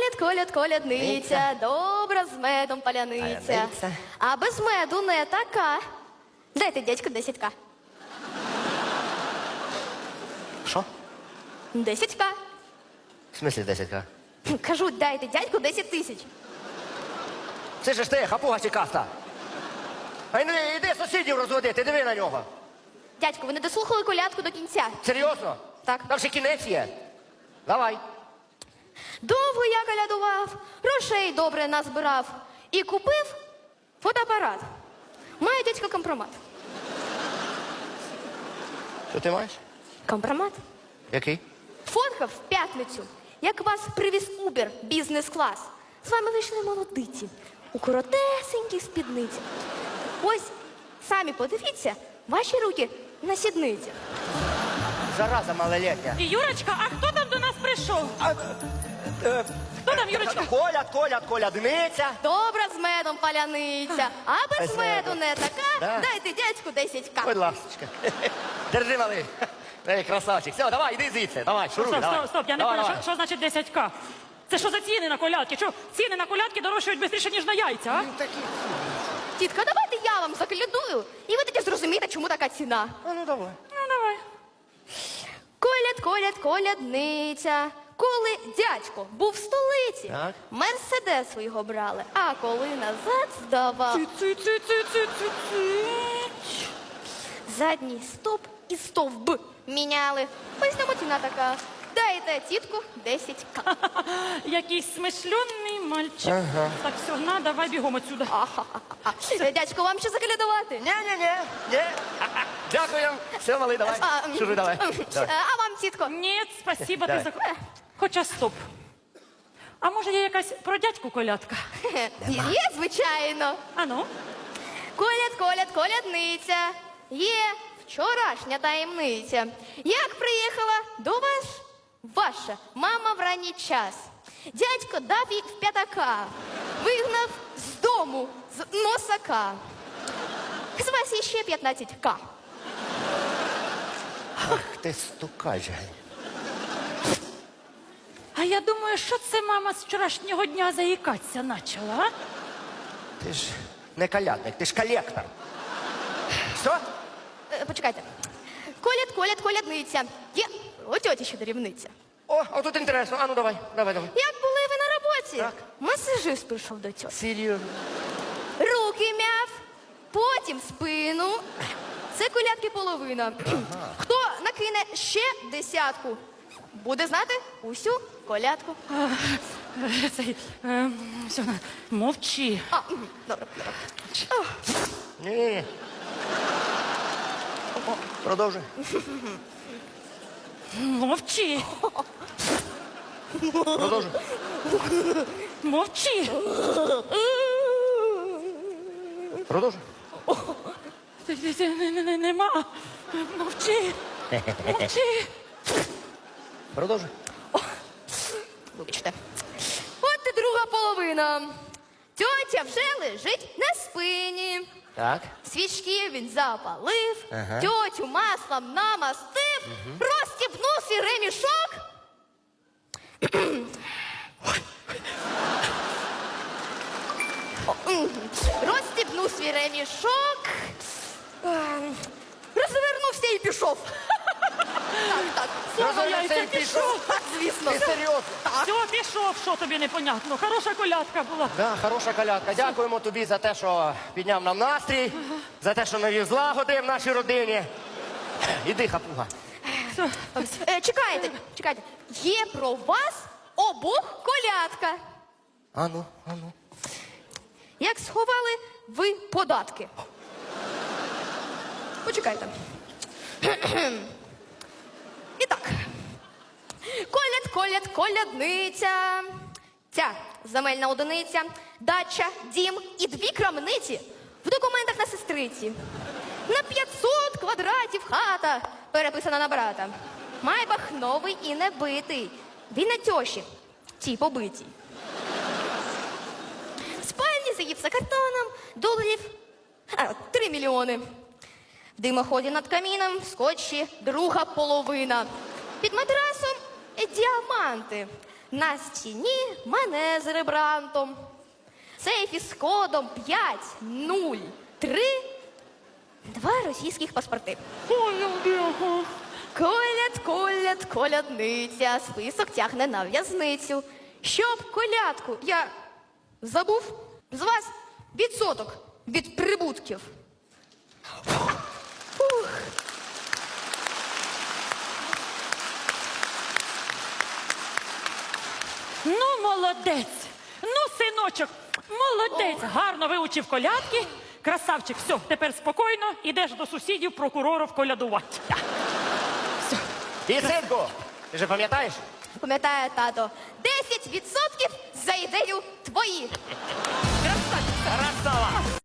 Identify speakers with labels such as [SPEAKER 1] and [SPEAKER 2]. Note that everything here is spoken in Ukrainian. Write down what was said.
[SPEAKER 1] колядниця, добра з медом паляниця.
[SPEAKER 2] Паляниця.
[SPEAKER 1] А без меду не така. Дайте, дядьку, 10к.
[SPEAKER 2] Що?
[SPEAKER 1] 10к.
[SPEAKER 2] В смислі 10к?
[SPEAKER 1] Кажу, дайте, дядьку, 10 тисяч.
[SPEAKER 2] Це ж ти, хапуга сікаста. А ну іди сусідів розводити, диви на нього.
[SPEAKER 1] Дядьку, ви не дослухали колядку до кінця.
[SPEAKER 2] Серйозно?
[SPEAKER 1] Так.
[SPEAKER 2] Там ще кінець є. Давай.
[SPEAKER 1] Довго я колядував, грошей добре назбирав і купив фотоапарат. Маю, дядько, компромат.
[SPEAKER 2] Що ти маєш?
[SPEAKER 1] Компромат?
[SPEAKER 2] Який?
[SPEAKER 1] Фоткав в п'ятницю, як вас привіз Убер бізнес-клас. З вами вийшли молодиці у коротесеньких спідницях. Ось, самі подивіться, ваші руки на сідницях.
[SPEAKER 2] Зараза малолетня.
[SPEAKER 3] Юрочка, а хто там до нас прийшов? Хто там, Юрочка?
[SPEAKER 2] Колядниця.
[SPEAKER 1] Добра з медом паляниця, а без
[SPEAKER 2] Без
[SPEAKER 1] меду
[SPEAKER 2] меду.
[SPEAKER 1] не така.
[SPEAKER 2] Да.
[SPEAKER 1] Дайте дядьку 10к.
[SPEAKER 2] Будь ласочка. Держи, малий. Ей, красавчик. Все, давай, іди звідси. Давай, шуруй,
[SPEAKER 3] Стоп,
[SPEAKER 2] давай.
[SPEAKER 3] стоп, стоп, я не
[SPEAKER 2] Давай,
[SPEAKER 3] поняла,
[SPEAKER 2] давай.
[SPEAKER 3] що значить 10к? Це що за ціни на колядки? Що ціни на колядки дорожчають швидше, ніж на яйця, а?
[SPEAKER 1] Тітка, давайте я вам заколядую, і ви тоді зрозумієте, чому така ціна.
[SPEAKER 2] А ну давай.
[SPEAKER 3] Ну, давай.
[SPEAKER 1] Колядниця. Коли дядько був в столиці,
[SPEAKER 2] Так.
[SPEAKER 1] мерседес його брали, а коли назад здавав,
[SPEAKER 3] Ци-ци-ци-ци-ци-ци.
[SPEAKER 1] задній стоп і стовб міняли. Ось нам ціна така. Дайте тітку 10к.
[SPEAKER 3] Якийсь смишльонний мальчик. Так, все, на, давай бігом отсюда.
[SPEAKER 1] Дядько, вам ще заколядувати?
[SPEAKER 2] Ні. Дякую. Все, малий, давай. Шуруй, давай. Давай.
[SPEAKER 1] А вам, тітко?
[SPEAKER 3] Ні, спасіба, ти
[SPEAKER 2] Давай.
[SPEAKER 3] за... Хоча стоп. А може є якась про дядьку колядка?
[SPEAKER 1] Є, звичайно.
[SPEAKER 3] А ну?
[SPEAKER 1] Колядниця. Є вчорашня таємниця. Як приїхала до вас ваша мама в ранній час. Дядько дав їй в п'ятака, вигнав з дому, з носака. З вас є ще 15к.
[SPEAKER 2] Ах, ти стукач.
[SPEAKER 3] А я думаю, що це мама з вчорашнього дня заїкатися почала, а?
[SPEAKER 2] Ти ж не колядник, ти ж колектор. Що?
[SPEAKER 1] Почекайте. Колядниця. Є у тьоті ще дорівниця.
[SPEAKER 2] О, тут інтересно. А ну давай. Давай.
[SPEAKER 1] Як були ви на роботі?
[SPEAKER 2] Так.
[SPEAKER 1] Масажист прийшов до тьоті.
[SPEAKER 2] Серйозно.
[SPEAKER 1] Руки мяв, потім спину. Це колядки половина. Хто накине ще 10-ку, буде знати усю колядку.
[SPEAKER 3] Цей, все, мовчи.
[SPEAKER 1] Добре.
[SPEAKER 2] Ні. Продовжуй.
[SPEAKER 3] Мовчи.
[SPEAKER 2] Продовжуй.
[SPEAKER 3] Мовчи.
[SPEAKER 2] Продовжуй.
[SPEAKER 3] Нема. Мовчи. Мовчи.
[SPEAKER 2] Продовжуй.
[SPEAKER 1] Вибачте. От і друга половина. Тьотя вже лежить на спині.
[SPEAKER 2] Так.
[SPEAKER 1] Свічки він запалив,
[SPEAKER 2] Ага.
[SPEAKER 1] тьотю маслом намастив, розстібнув свій ремішок. Розстібнув свій ремішок, розвернувся і пішов. Так.
[SPEAKER 3] Слава
[SPEAKER 2] Розвернувся
[SPEAKER 3] яйця,
[SPEAKER 2] і пішов.
[SPEAKER 3] пішов.
[SPEAKER 1] Звісно.
[SPEAKER 2] Ти серйозно?
[SPEAKER 3] Все, пішов, що тобі непонятно. Хороша колядка була.
[SPEAKER 2] Да, хороша колядка. Дякуємо тобі за те, що підняв нам настрій, за те, що навів злагоди в нашій родині. Іди, хапуга.
[SPEAKER 1] Чекайте. Є про вас обох колядка.
[SPEAKER 2] Ану.
[SPEAKER 1] Як сховали ви податки? Почекайте. І так. Колядниця. Ця земельна одиниця, дача, дім і 2 крамниці в документах на сестриці. На 500 квадратів хата переписана на брата. Майбах новий і не битий. Він на тьоші, тій побитій. В спальні за гіпсокартоном доларів 3 мільйони. В димоході над каміном в скотчі друга половина. Під матрасом діаманти. На стіні мене з ребрантом. Сейф із кодом 503. 2 російських паспорти. Колядниця, список тягне на в'язницю. Щоб колядку я забув, з вас відсоток від прибутків. Фух.
[SPEAKER 3] Ну, молодець. Ну, синочок, молодець. Гарно вивчив колядки. Красавчик, все, тепер спокійно, ідеш до сусідів прокурорів колядувати.
[SPEAKER 2] І, синку, ти же пам'ятаєш?
[SPEAKER 1] Пам'ятаю, тато, 10% за ідею твої.
[SPEAKER 3] Красавчик.
[SPEAKER 2] Красава!